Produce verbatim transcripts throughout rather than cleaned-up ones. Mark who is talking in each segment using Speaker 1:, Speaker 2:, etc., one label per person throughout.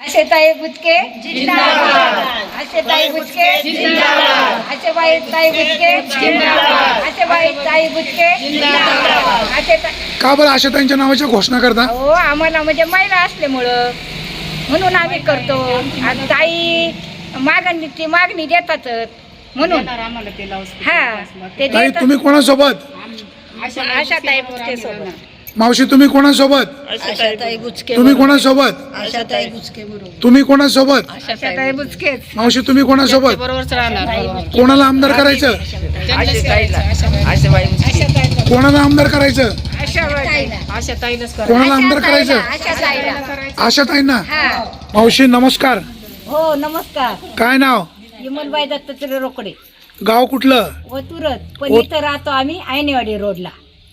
Speaker 1: आशेताई बुचके जिंदाबाद, आशेताई बुचके जिंदाबाद, आशेबाई ताई बुचके जिंदाबाद, आशेबाई ताई बुचके जिंदाबाद, आशेताई.
Speaker 2: का बरं आशाताईंच्या नावाची घोषणा करता?
Speaker 1: हो, आम्हाला म्हणजे महिला असल्यामुळं म्हणून आम्ही करतो. आणि ताई मागणी ती मागणी देतातच म्हणून. हा, ते
Speaker 2: ताई
Speaker 1: देतात.
Speaker 2: तुम्ही कोणासोबत?
Speaker 1: आशाताई बुचके सोबत.
Speaker 2: मावशी तुम्ही कोणासोबत?
Speaker 1: आशाताई बुचके.
Speaker 2: तुम्ही कोणासोबत?
Speaker 1: आशाताई बुचके बरोबर.
Speaker 2: तुम्ही कोणासोबत?
Speaker 1: आशाताई बुचकेच.
Speaker 2: मावशी तुम्ही कोणासोबत? कोणाला आमदार करायचं? कोणाला आमदार करायचं? कोणाला आमदार करायचं?
Speaker 1: आशाताईला.
Speaker 2: आशाताईंना.
Speaker 1: हा.
Speaker 2: मावशी नमस्कार.
Speaker 1: हो नमस्कार.
Speaker 2: काय नाव?
Speaker 1: विमलबाई दत्तात्रय रोकडे.
Speaker 2: गाव कुठलं?
Speaker 1: व तुरत पण
Speaker 2: ओ-
Speaker 1: इथं राहतो आम्ही आयनेवाडी रोडला.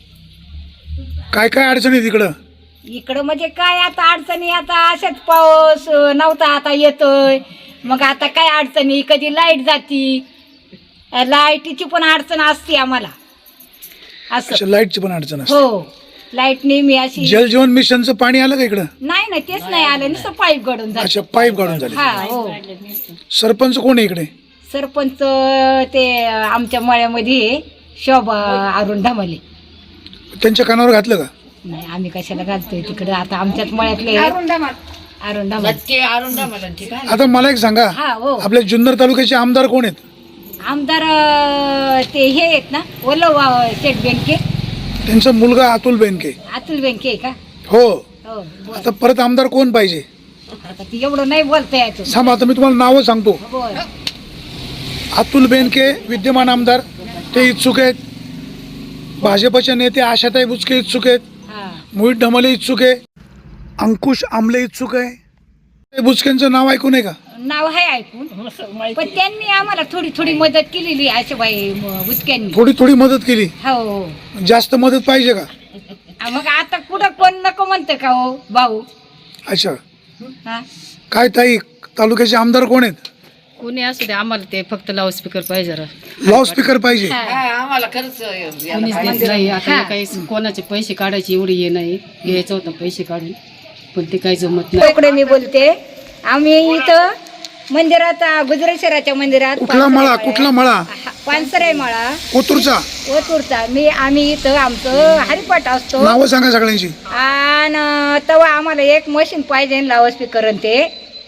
Speaker 2: काय काय अडचणी तिकडं?
Speaker 1: इकडं म्हणजे काय आता अडचणी, आता अशाच पाऊस नव्हता आता येतोय. मग आता काय अडचणी, कधी लाईट जाती, लाईटीची पण अडचण असते आम्हाला असं.
Speaker 2: अच्छा, लाईटची पण अडचण असते.
Speaker 1: हो, लाईट नेहमी अशी.
Speaker 2: जल जीवन मिशनचं पाणी आलं का इकडं?
Speaker 1: नाही नाही, तेच नाही आलं, नुसतं पाईप गडून
Speaker 2: अच्छा,
Speaker 1: जात.
Speaker 2: पाईप काढून झाले.
Speaker 1: हा हो.
Speaker 2: सरपंच कोण आहे इकडे?
Speaker 1: सरपंच ते आमच्या मळ्यामध्ये शोभा अरुण धामले.
Speaker 2: त्यांच्या कानावर घातलं का?
Speaker 1: नाही, आम्ही कशाला घालतोय तिकडे, आता आमच्याच मळ्यातले अरुण धामले.
Speaker 2: आता मला एक सांगा,
Speaker 1: हा हो.
Speaker 2: आपल्या जुन्नर तालुक्याचे आमदार कोण आहेत?
Speaker 1: आमदार अं, ते हे आहेत ना, ओलव स्टेट बँके.
Speaker 2: त्यांचा मुलगा अतुल बेनके.
Speaker 1: अतुल बँके आहे का?
Speaker 2: हो.
Speaker 1: हो बोल.
Speaker 2: आता परत आमदार कोण पाहिजे?
Speaker 1: आता ते एवढं नाही बोलता येत.
Speaker 2: थांबा, आता मी तुम्हाला नावं सांगतो.
Speaker 1: बोल.
Speaker 2: अतुल बेनके विद्यमान आमदार, ते इच्छुक आहेत. भाजपचे नेते आशाताई बुचके इच्छुक आहेत.
Speaker 1: हा.
Speaker 2: मोहित ढमले इच्छुक आहे. अंकुश आमले इच्छुक आहे. ते बुचकेंचं नाव ऐकून आहे का?
Speaker 1: नाव आहे ऐकून, पण त्यांनी आम्हाला थोडी थोडी मदत केलेली आशाबाई बुचक्यांनी.
Speaker 2: थोडी थोडी मदत केली.
Speaker 1: हो हो.
Speaker 2: जास्त मदत पाहिजे का?
Speaker 1: मग आता कुठं कोण नको म्हणतं का हो भाऊ?
Speaker 2: अच्छा,
Speaker 3: हा
Speaker 2: काय ताई, तालुक्याचे आमदार कोण आहेत?
Speaker 3: कोणी असू दे, आम्हाला ते फक्त लाऊडस्पीकर पाहिजे जरा.
Speaker 2: लाऊडस्पीकर पाहिजे.
Speaker 4: आम्हाला खरंच
Speaker 3: कोणीच देत नाही आता. काही कोणाचे पैसे काढायचे एवढे हे नाही. घ्यायचं होतं पैसे काढून, पण ते काही जमत नाही.
Speaker 1: इकडे मी बोलते. आम्ही इथं मंदिरात, गुजरेश्वराच्या मंदिरात.
Speaker 2: कुठला मळा? कुठला मळा?
Speaker 1: पानसरे मळा,
Speaker 2: कोतूरचा.
Speaker 1: ओतूरचा. मी आम्ही इथं आमचं हरिपाठ असतो.
Speaker 2: नावं सांगा सगळ्यांची.
Speaker 1: आणि तेव्हा आम्हाला एक मशीन पाहिजे लाऊडस्पीकर ते.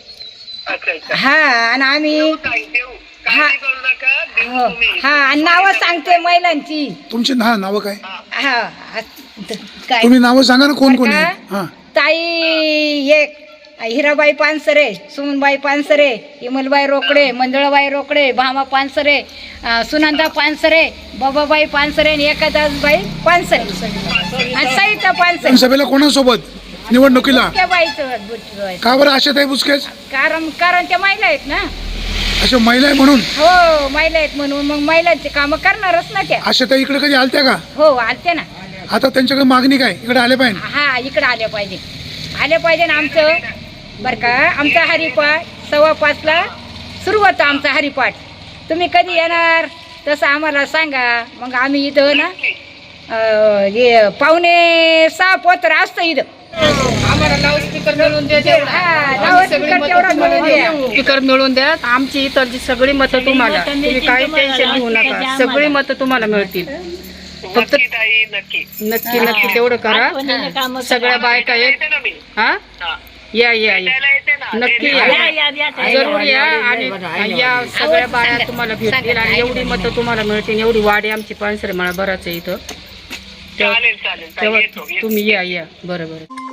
Speaker 1: हा, आणि आम्ही हा हो, हा, आणि नावं सांगते महिलांची.
Speaker 2: तुमची ना नावं काय?
Speaker 1: हा, काय
Speaker 2: तुम्ही नावं सांगा ना, कोण कोण आहे? हा.
Speaker 1: ताई एक हिराबाई पानसरे, सुमनबाई पानसरे, इमलबाई रोकडे, मंजुळाबाई रोकडे, भामा पानसरे, अं, सुनंदा पानसरे, बाबाबाई पानसरे आणि एकादासबाई पानसरे आणि सईता पानसरे.
Speaker 2: सभेला कोणासोबत निवडणुकीला?
Speaker 1: त्या बाईचं बुट-
Speaker 2: का बरं आशाताई बुचकेच?
Speaker 1: कारण कारण त्या महिला आहेत ना.
Speaker 2: अशा महिला आहे म्हणून?
Speaker 1: हो, महिला आहेत म्हणून मग महिलांचे कामं करणारच ना त्या.
Speaker 2: आशाताई इकडे कधी आलत्या का?
Speaker 1: हो, आलते ना.
Speaker 2: आता त्यांच्याकडे मागणी काय? इकडे आले पाहिजे.
Speaker 1: हा, इकडे आल्या पाहिजे, आल्या पाहिजे ना. आमचं बरं का, आमचा हरिपाठ सव्वा पाचला सुरू होतं आमचा हरिपाठ. तुम्ही कधी येणार तसं आम्हाला सांगा. मग आम्ही इथं ना अं, हे पावणे सहा पोतर असतं इथं.
Speaker 3: आम्हाला लाऊडस्पीकर मिळून द्या.
Speaker 1: हा, लाऊडस्पीकर तेवढा मिळून द्या.
Speaker 3: स्पीकर मिळून द्या. आमची इतर सगळी मतं तुम्हाला, तुम्ही काही टेन्शन घेऊ नका. सगळी मतं तुम्हाला मिळतील. फक्त नक्की नक्की तेवढं करा. सगळ्या बायका आहेत. हा, या या या नक्की या, जरूर या. आणि या सगळ्या बाया तुम्हाला भेटतील आणि एवढी मतं तुम्हाला मिळतील. एवढी वाडी आमची पानसरे मला बराच आहे इथं. तेव्हा तुम्ही या या. बरं बरं.